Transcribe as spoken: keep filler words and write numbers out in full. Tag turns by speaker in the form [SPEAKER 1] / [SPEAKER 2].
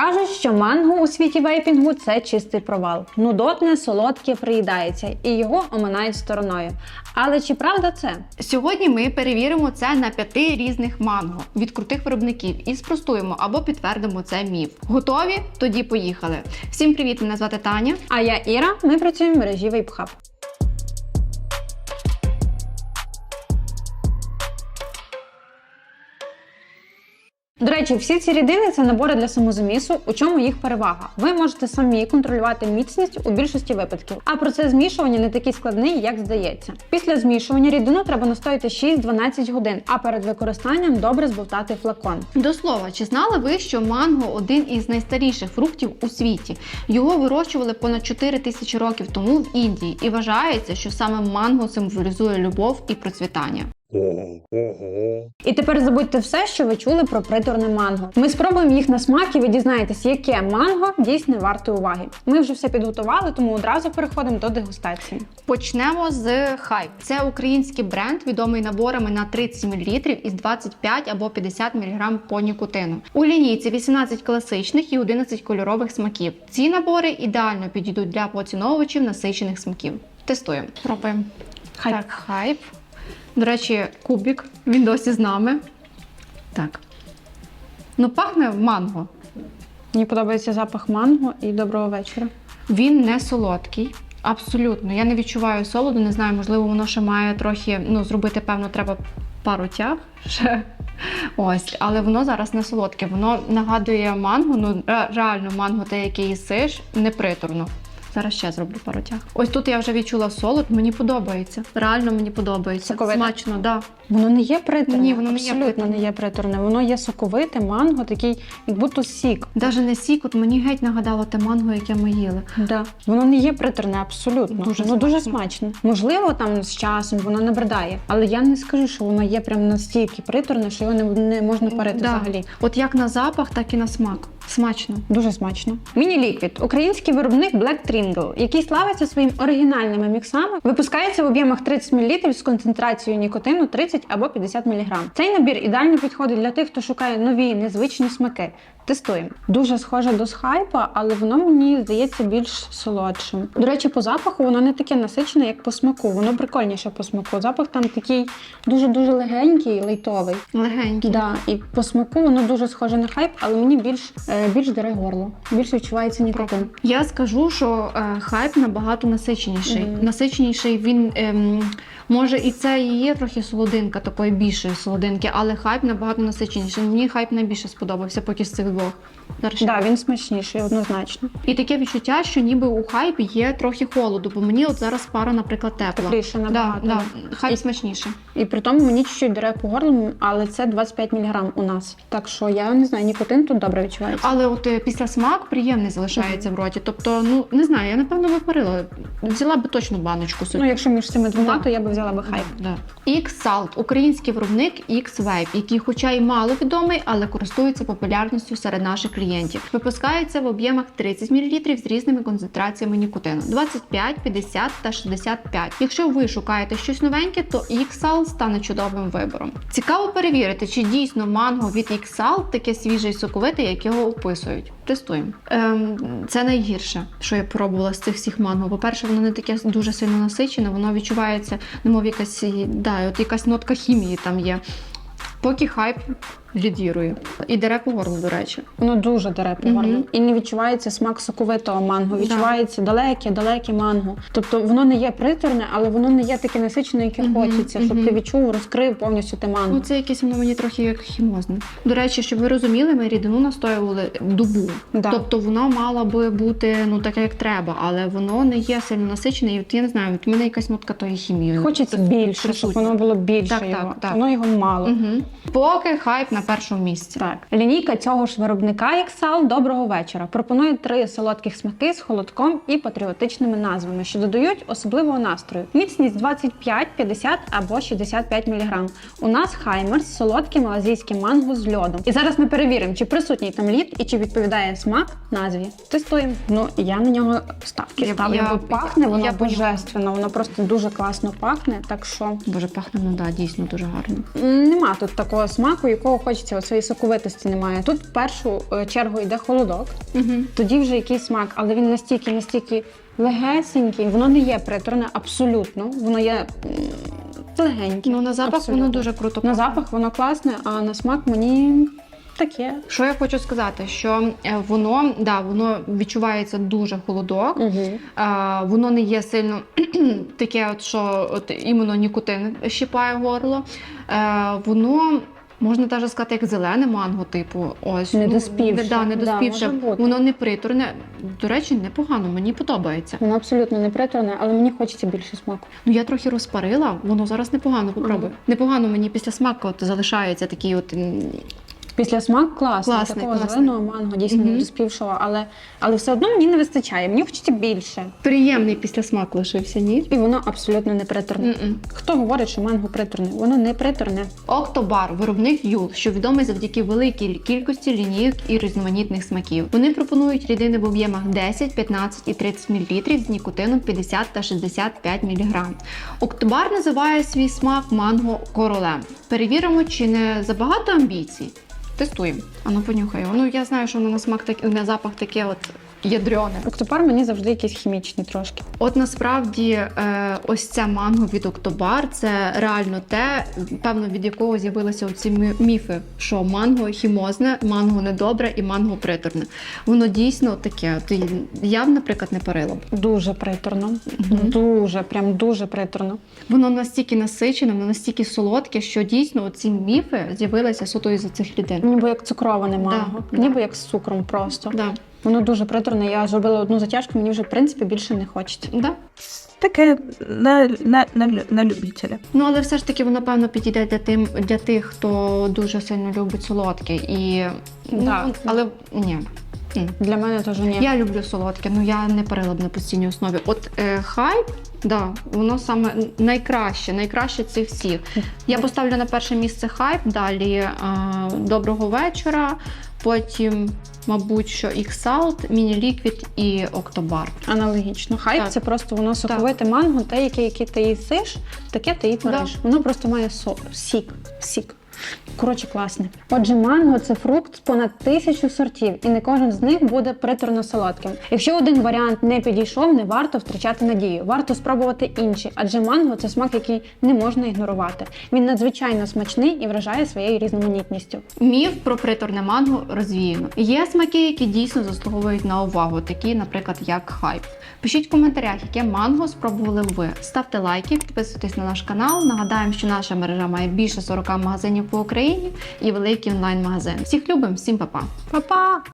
[SPEAKER 1] Кажуть, що манго у світі вейпінгу – це чистий провал. Нудотне, солодке приїдається і його оминають стороною. Але чи правда це?
[SPEAKER 2] Сьогодні ми перевіримо це на п'яти різних манго від крутих виробників і спростуємо або підтвердимо це міф. Готові? Тоді поїхали. Всім привіт, мене звати Таня.
[SPEAKER 1] А я Іра, ми працюємо в мережі Вейпхаб. До речі, всі ці рідини – це набори для самозамісу, у чому їх перевага. Ви можете самі контролювати міцність у більшості випадків, а процес змішування не такий складний, як здається. Після змішування рідину треба настояти шість-дванадцять годин, а перед використанням добре збовтати флакон.
[SPEAKER 2] До слова, чи знали ви, що манго – один із найстаріших фруктів у світі? Його вирощували понад чотири тисячі років тому в Індії, і вважається, що саме манго символізує любов і процвітання.
[SPEAKER 1] І тепер забудьте все, що ви чули про приторне манго. Ми спробуємо їх на смак і ви дізнаєтесь, яке манго дійсно варте уваги. Ми вже все підготували, тому одразу переходимо до дегустації.
[SPEAKER 2] Почнемо з Hype. Це український бренд, відомий наборами на тридцять мілілітрів із двадцять п'ять або п'ятдесят міліграм по нікотину. У лінійці вісімнадцять класичних і одинадцять кольорових смаків. Ці набори ідеально підійдуть для поціновувачів насичених смаків. Тестуємо. Пробуємо.
[SPEAKER 1] Hype.
[SPEAKER 2] Так, Hype. До речі, кубик, він досі з нами. Так. Ну, пахне манго.
[SPEAKER 1] Мені подобається запах манго і доброго вечора.
[SPEAKER 2] Він не солодкий. Абсолютно. Я не відчуваю солоду, не знаю, можливо, воно ще має трохи, ну, зробити, певно, треба пару тяг ще. Ось, але воно зараз не солодке. Воно нагадує манго, ну, реально манго, те, яке їсиш, не приторно. Зараз ще зроблю пару тяг. Ось тут я вже відчула солод, мені подобається. Реально мені подобається.
[SPEAKER 1] Соковите?
[SPEAKER 2] Смачно, так. Да.
[SPEAKER 1] Воно не є приторне.
[SPEAKER 2] Ні, воно не є
[SPEAKER 1] Абсолютно
[SPEAKER 2] приторне.
[SPEAKER 1] не є приторне. Воно є соковите, манго, такий, як будто сік.
[SPEAKER 2] Даже не сік, от мені геть нагадало те манго, яке ми їли.
[SPEAKER 1] Да. Воно не є приторне, абсолютно.
[SPEAKER 2] Дуже
[SPEAKER 1] воно дуже
[SPEAKER 2] смачно.
[SPEAKER 1] смачне. Можливо, там з часом воно набридає, але я не скажу, що воно є прям настільки приторне, що його не, не можна парити
[SPEAKER 2] Да.
[SPEAKER 1] взагалі.
[SPEAKER 2] От як на запах, так і на смак. Смачно.
[SPEAKER 1] Дуже смачно. Міні-ліквід. Український виробник Black Tringle, який славиться своїм оригінальними міксами, випускається в об'ємах тридцять мілілітрів з концентрацією нікотину тридцять або п'ятдесят міліграм. Цей набір ідеально підходить для тих, хто шукає нові, незвичні смаки. Тестуємо. Дуже схоже до Hype, але воно мені здається більш солодшим. До речі, по запаху воно не таке насичене, як по смаку. Воно прикольніше по смаку. Запах там такий дуже-дуже легенький, лайтовий.
[SPEAKER 2] Легенький.
[SPEAKER 1] Да, і по смаку воно дуже схоже на Hype, але мені більш, е, більш дере горло. Більш відчувається нікотин.
[SPEAKER 2] Я скажу, що е, Hype набагато насиченіший.
[SPEAKER 1] Мгм.
[SPEAKER 2] Насиченіший він, ем, може і це і є трохи солодинка, такої більшої солодинки, але Hype набагато насиченіший. Мені Hype найбільше сподобався поки з цих двох. Зараз ще.
[SPEAKER 1] Так, да, він смачніший, однозначно.
[SPEAKER 2] І таке відчуття, що ніби у Hype є трохи холоду, бо мені от зараз пара, наприклад, тепла.
[SPEAKER 1] Тепліше набагато.
[SPEAKER 2] Да, да. Hype
[SPEAKER 1] І-
[SPEAKER 2] смачніше.
[SPEAKER 1] І при тому мені чуть-чуть дере по горлу, але це двадцять п'ять міліграм у нас. Так що я не знаю, нікотин тут добре відчувається.
[SPEAKER 2] Але от е, після смак приємний залишається в роті. Тобто, ну не знаю, я напевно випарила. Взяла би точно баночку собі.
[SPEAKER 1] Ну, якщо між цими двома,
[SPEAKER 2] Да.
[SPEAKER 1] то я би взяла би Hype.
[SPEAKER 2] Да. X-Salt – український виробник X-Vape, який хоча й мало відомий, але користується популярністю серед наших клієнтів. Випускається в об'ємах тридцять мілілітрів з різними концентраціями нікотину – двадцять п'ять, п'ятдесят та шістдесят п'ять. Якщо ви шукаєте щось новеньке, то X-Salt стане чудовим вибором. Цікаво перевірити, чи дійсно манго від X-Salt таке свіже і соковите, як його описують. Тестуємо. Ем, це найгірше, що я пробувала з цих всіх манго. По-перше, воно не таке дуже сильно насичене, воно відчувається, немов якась, да, от якась нотка хімії там є. Поки Hype лідірує. І дере по горлу, до речі.
[SPEAKER 1] Воно дуже дере по
[SPEAKER 2] Мгм.
[SPEAKER 1] горлу. І не відчувається смак соковитого манго.
[SPEAKER 2] Да.
[SPEAKER 1] Відчувається далеке-далеке манго. Тобто воно не є приторне, але воно не є таке насичене, яке
[SPEAKER 2] Мгм,
[SPEAKER 1] хочеться, щоб
[SPEAKER 2] мгм.
[SPEAKER 1] ти відчув, розкрив повністю те манго.
[SPEAKER 2] Ну, це якесь воно мені трохи як хімозне. До речі, щоб ви розуміли, ми рідину настоювали добу.
[SPEAKER 1] Да.
[SPEAKER 2] Тобто воно мало би бути, ну, таке, як треба, але воно не є сильно насичене. І от я не знаю, от в мене якась нотка тої хімії.
[SPEAKER 1] Хочеться більше, щоб воно було більше
[SPEAKER 2] Так,
[SPEAKER 1] його.
[SPEAKER 2] так, так.
[SPEAKER 1] Воно його мало.
[SPEAKER 2] Угу. Поки Hype на першому місці.
[SPEAKER 1] Так. Лінійка цього ж виробника X-Salt «Доброго вечора» пропонує три солодких смаки з холодком і патріотичними назвами, що додають особливого настрою. Міцність двадцять п'ять, п'ятдесят або шістдесят п'ять міліграм. У нас Хаймерс – солодке малазійське манго з льодом. І зараз ми перевіримо, чи присутній там лід і чи відповідає смак назві. Тестуємо. Ну, я на нього ставки
[SPEAKER 2] Я-
[SPEAKER 1] ставлю,
[SPEAKER 2] я-
[SPEAKER 1] бо пахне воно
[SPEAKER 2] я
[SPEAKER 1] божественно, воно просто дуже класно пахне, так що
[SPEAKER 2] Боже, пахне, ну да, дійсно дуже гарно.
[SPEAKER 1] м, нема тут такого смаку, якого хочеться цієї соковитості немає. Тут в першу е, чергу йде холодок,
[SPEAKER 2] Угу.
[SPEAKER 1] тоді вже якийсь смак, але він настільки, настільки легесенький, воно не є приторне абсолютно, воно є м, легеньке.
[SPEAKER 2] Ну, на запах
[SPEAKER 1] абсолютно.
[SPEAKER 2] воно дуже круто.
[SPEAKER 1] На
[SPEAKER 2] пахне.
[SPEAKER 1] запах воно класне, а на смак мені таке.
[SPEAKER 2] Що я хочу сказати, що е, воно, да, воно відчувається дуже холодок,
[SPEAKER 1] Угу.
[SPEAKER 2] а, воно не є сильно таке, от, що от, іменно нікотин щипає горло. Е, воно, можна навіть сказати, як зелене манго, типу. Ось.
[SPEAKER 1] Недоспівше.
[SPEAKER 2] Ну, да, недоспівше.
[SPEAKER 1] Да, може бути.
[SPEAKER 2] Воно не приторне. До речі, непогано, мені подобається.
[SPEAKER 1] Воно абсолютно не приторне, але мені хочеться більше смаку.
[SPEAKER 2] Ну, я трохи розпарила, воно зараз непогано, попробуй.
[SPEAKER 1] Ага.
[SPEAKER 2] Непогано мені після смаку от залишається такий от... м,
[SPEAKER 1] Після смак класний,
[SPEAKER 2] Класний,
[SPEAKER 1] такого
[SPEAKER 2] класний.
[SPEAKER 1] зеленого манго, дійсно
[SPEAKER 2] Мгм.
[SPEAKER 1] не розпівшого, але, але все одно мені не вистачає, мені хочеться більше.
[SPEAKER 2] приємний післясмак лишився, ні?
[SPEAKER 1] І воно абсолютно не приторне.
[SPEAKER 2] М-м.
[SPEAKER 1] Хто говорить, що манго приторне? Воно не приторне.
[SPEAKER 2] Октобар – виробник Юл, що відомий завдяки великій кількості лінійок і різноманітних смаків. Вони пропонують рідини в об'ємах десять, п'ятнадцять і тридцять мл з нікотином п'ятдесят та шістдесят п'ять міліграм. Октобар називає свій смак манго королем. Перевіримо, чи не забагато амбіцій. Тестуємо. А ну понюхай. Ну я знаю, що воно на смак так, на запах таке от ядрьоне.
[SPEAKER 1] Октопар мені завжди якийсь хімічний трошки.
[SPEAKER 2] От насправді е, ось це манго від Октобар – це реально те, певно, від якого з'явилися оці мі- міфи, що манго хімозне, манго недобре і манго приторне. Воно дійсно таке. От я б, наприклад, не парила б.
[SPEAKER 1] Дуже приторно.
[SPEAKER 2] Мгм.
[SPEAKER 1] Дуже, прям дуже приторно.
[SPEAKER 2] Воно настільки насичене, воно настільки солодке, що дійсно ці міфи з'явилися суто із цих рідин.
[SPEAKER 1] Ніби як цукроване манго.
[SPEAKER 2] Да,
[SPEAKER 1] Ніби
[SPEAKER 2] да.
[SPEAKER 1] як з цукром просто.
[SPEAKER 2] Да.
[SPEAKER 1] Воно дуже приторне. Я зробила одну затяжку, мені вже в принципі більше не хочеться.
[SPEAKER 2] Да.
[SPEAKER 3] Таке на, на, на, лю- на любителя.
[SPEAKER 2] Ну, але все ж таки воно, певно, підійде для, тим, для тих, хто дуже сильно любить солодке. І...
[SPEAKER 1] Да.
[SPEAKER 2] Ну, але ні. М.
[SPEAKER 1] Для мене теж ні.
[SPEAKER 2] Я люблю солодке, ну я не парила б на постійній основі. От е, хайп, да, воно саме найкраще, найкраще цих всіх. Я поставлю на перше місце хайп, далі е, доброго вечора, потім, мабуть, що X-Salt, Міні-Ліквід і Октобар.
[SPEAKER 1] Аналогічно. Хайп
[SPEAKER 2] Так.
[SPEAKER 1] це просто воно соковите манго, те, яке, яке ти їсиш, таке ти і твориш. Воно просто має со... сік. Сік. Коротше, класне. Отже, манго – це фрукт з понад тисячу сортів, і не кожен з них буде приторно-солодким. Якщо один варіант не підійшов, не варто втрачати надію. Варто спробувати інші, адже манго – це смак, який не можна ігнорувати. Він надзвичайно смачний і вражає своєю різноманітністю.
[SPEAKER 2] Міф про приторне манго розвіяно. Є смаки, які дійсно заслуговують на увагу, такі, наприклад, як хайп. Пишіть в коментарях, яке манго спробували б ви. Ставте лайки, підписуйтесь на наш канал. Нагадаємо, що наша мережа має більше сорока магазинів по Україні і великий онлайн-магазин. Всіх любимо, всім па-па!
[SPEAKER 1] Па-па!